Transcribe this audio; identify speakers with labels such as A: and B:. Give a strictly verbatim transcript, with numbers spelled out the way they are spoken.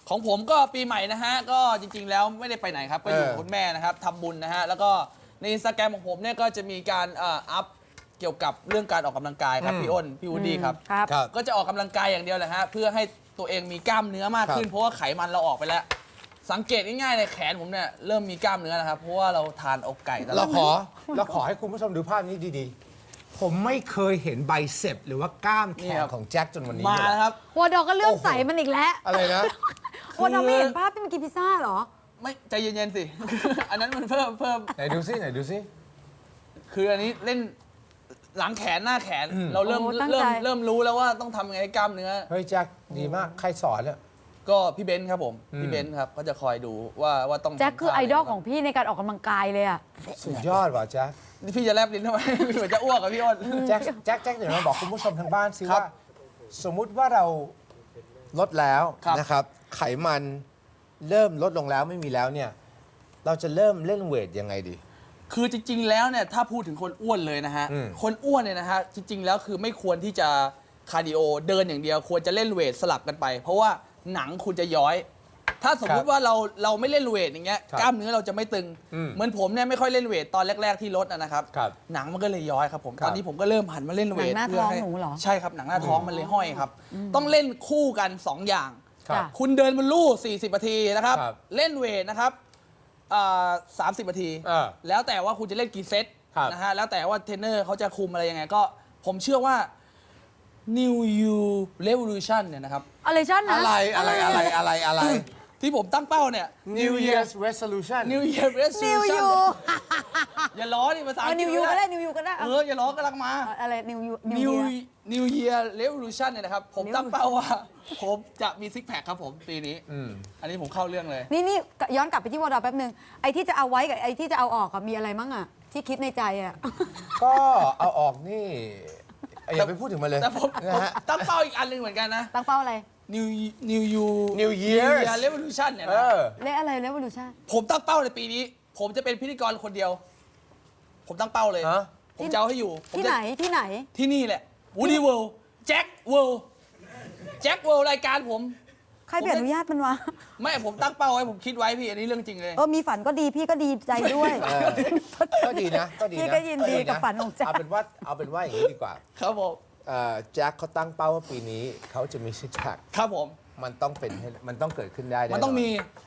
A: ของผมก็ปีใหม่นะฮะก็จริงๆแล้วไม่ได้ไปไหนครับก็อยู่กับคุณแม่นะครับทำบุญนะฮะแล้วก็ในอินสตาแกรมของผมเนี่ยก็จะมีการเอ่ออัพเกี่ยวกับเรื่องการออกกำลังกายครับพี่อ้นพี่วูดดี้ครับ
B: ครับ
C: ครับ
A: ก็จะออกกำลังกายอย่างเดียวแหละฮะเพื่อให้ตัวเองมีกล้ามเนื้อมากขึ้น
C: ครับ
A: เพราะว่าไขมันเราออกไปแล้ว สังเกตง่ายๆเลยแขนผมเนี่ยเริ่มมีกล้ามเนื้อนะครับเพราะว่าเราทานอกไก่ตล
C: เรา
A: อด
C: ขอเราขอให้คุณผู้ชมดูภาพนี้ดีๆ ผมไม่เคยเห็นไบเซปหรือว่ากล้ามแขนของแจ็คจนวันนี้
A: มา
C: เลย
A: แล้วครับ
B: วอดอก็เลื่อม
C: โอ้โห
B: ใสมันอีกแล้ว
C: อะไรนะ
B: วอดอไม่เห็นภาพที่มันกินพิซซ่าเหรอ
A: ไม่ใจเย็นๆสิ อันนั้นมันเพิ่มเพิ่ม
C: ไหนดูซิไหนดูซิ
A: คืออันนี้เล่นหลังแขนหน้าแขน เราเริ่ม
B: โอ้ตั้ง
A: เริ่
B: ใจ
A: มเริ่มรู้แล้วว่าต้องทำยังไงให้กล้ามเนื้อ
C: เฮ้ยแจ็คดีมากใครสอนเนี่ย
A: ก็พี่เบนซ์ครับผม
C: อืม
A: พี่เบนซ์ครับก็จะคอยดูว่าว่าต้อง
B: แจ็คคือ
A: ทำ
B: ไอ
A: ท่า
B: ดอล
A: หน
B: ของพี่ในการออกกำลังกายเลยอะ
C: สุดยอดว่ะแจ็ค
A: นี่พี่จะแลบลิ้นทำไม เหมือนจะอ้วกกับพี่อ้น
C: แจ็คแจ็คแจ็คเดี๋ยวมาบอกคุณผู้ชมทางบ้านซิ
A: ครับ
C: ว่า สมมุติว่าเราลดแล้ว
A: ครับ
C: นะครับ ไขมันเริ่มลดลงแล้วไม่มีแล้วเนี่ย เราจะเริ่มเล่นเวทยังไงดี
A: คือจริง ๆ แล้วเนี่ยถ้าพูดถึงคนอ้วนเลยนะฮะ
C: อืม
A: คนอ้วนเนี่ยนะฮะจริง ๆ แล้วคือไม่ควรที่จะคาร์ดิโอเดินอย่างเดียว ควรจะเล่นเวทสลับกันไป เพราะว่าหนังคุณจะย้อย ถ้าสมมุติว่าเราเราไม่เล่นเวทอย่างเงี้ย
C: ครับ
A: กล้ามเนื้อเราจะไม่ตึง
C: อืม
A: เหมือนผมเนี่ยไม่ค่อยเล่นเวทตอนแรก ๆที่ลดอะนะครับ
C: ครับ
A: หนังมันก็เลยย้อยครับผม
C: ครับ
A: ตอนนี้ผมก็เริ่มหันมาเล่นเวท
B: หนังหน้า
A: เพื่
B: ท้อง
A: ให้
B: หนูเหรอ
A: ใช่ครับหนังหน้าท้องมันเลยห้อยครับ ต้องเล่นคู่กันสองอย่าง
C: ครับ
A: คุณเดินบนลู่สี่สิบนาทีนะครับ
C: ครับ
A: เล่นเวทนะครับสามสิบนาที
C: เออ
A: แล้วแต่ว่าคุณจะเล่นกี่เซต
C: ครับ
A: นะฮะ แล้วแต่ว่าเทรนเนอร์เขาจะคุมอะไรยังไงก็ ผมเชื่อว่า New You Revolution เนี่ยนะครับ
B: อะไรชั่นนะ
C: อะไรอะไรอะไรอะไรอะไร
A: ที่ผมตั้งเป้าเนี่ย
C: New Year's Resolution
A: New Year
B: นิว
A: Resolution
B: ยู
A: อย่าล้อดิภาษา
B: เอา
A: อังกฤ
B: นิ
A: ษ
B: วยูก็
A: ไม่
B: ได้
A: ได้
B: นิวยูก็ได้
A: เออ อย่าล้อกำลังมา
B: เอาอะไรนิวยูนิ
A: New
B: ว
A: New Year Revolution เนี่ยนะครับ ผมตั้งเป้าว่า ผมจะมีซิกแพคครับผมปีนี้
C: อืม
A: อันนี้ผมเข้าเรื่องเลย
B: นี่นี่ย้อนกลับไปที่วอดอแป๊บนึงไอ้ที่จะเอาไว้กับไอ้ที่จะเอาออกอะมีอะไรมั่งอะที่คิดในใจอะ
C: ก็เอาออกนี่อย่าไปพูดถึงมันเลย
A: แต่ผม
C: นะ
A: ผม
C: ฮะ
A: ตั้งเป้าอีกอันหนึงเหมือนกันนะ
B: ตั้งเป้าอะไร
A: New New You
C: New Year's
A: Year Revolution เนี่ย
C: เอ
A: นะ
C: อ
B: เลขอะไรเลขวอลูชั่น
A: ผมตั้งเป้าในปีนี้ ผมจะเป็นพิธีกรคนเดียว ผมตั้งเป้าเลย
C: ฮะ
A: ผมจะเอาให้อยู่ผม
B: ที่
A: จะ
B: ไหนที่ไหน
A: ที่นี่แหละ Woody World แจ็ค World แจ็ค World รายการผม
B: ใครเปลี่ยนอนุญาตมันวะ
A: ไม่ผมตั้งเป้าไว้ผมคิดไว้พี่ อันนี้เรื่องจริงเลย
B: เออมีฝันก็ดีพี่ก็ดีใจด้วย
C: เออ ก็ดีนะก็ดีนะ
B: พี่ก็ยินดีกับฝันของแจ็ค
C: เอาเป็นว่าเอาเป็นว่าอย่างนี้ดีกว่า
A: ครับผม
C: เอ่อแจ็คเขาตั้งเป้าว่าปีนี้เขาจะมีซิกแพค
A: ครับผม
C: มันต้องเป็นให้มันต้องเกิดขึ้นได้แ
A: มันต้องมี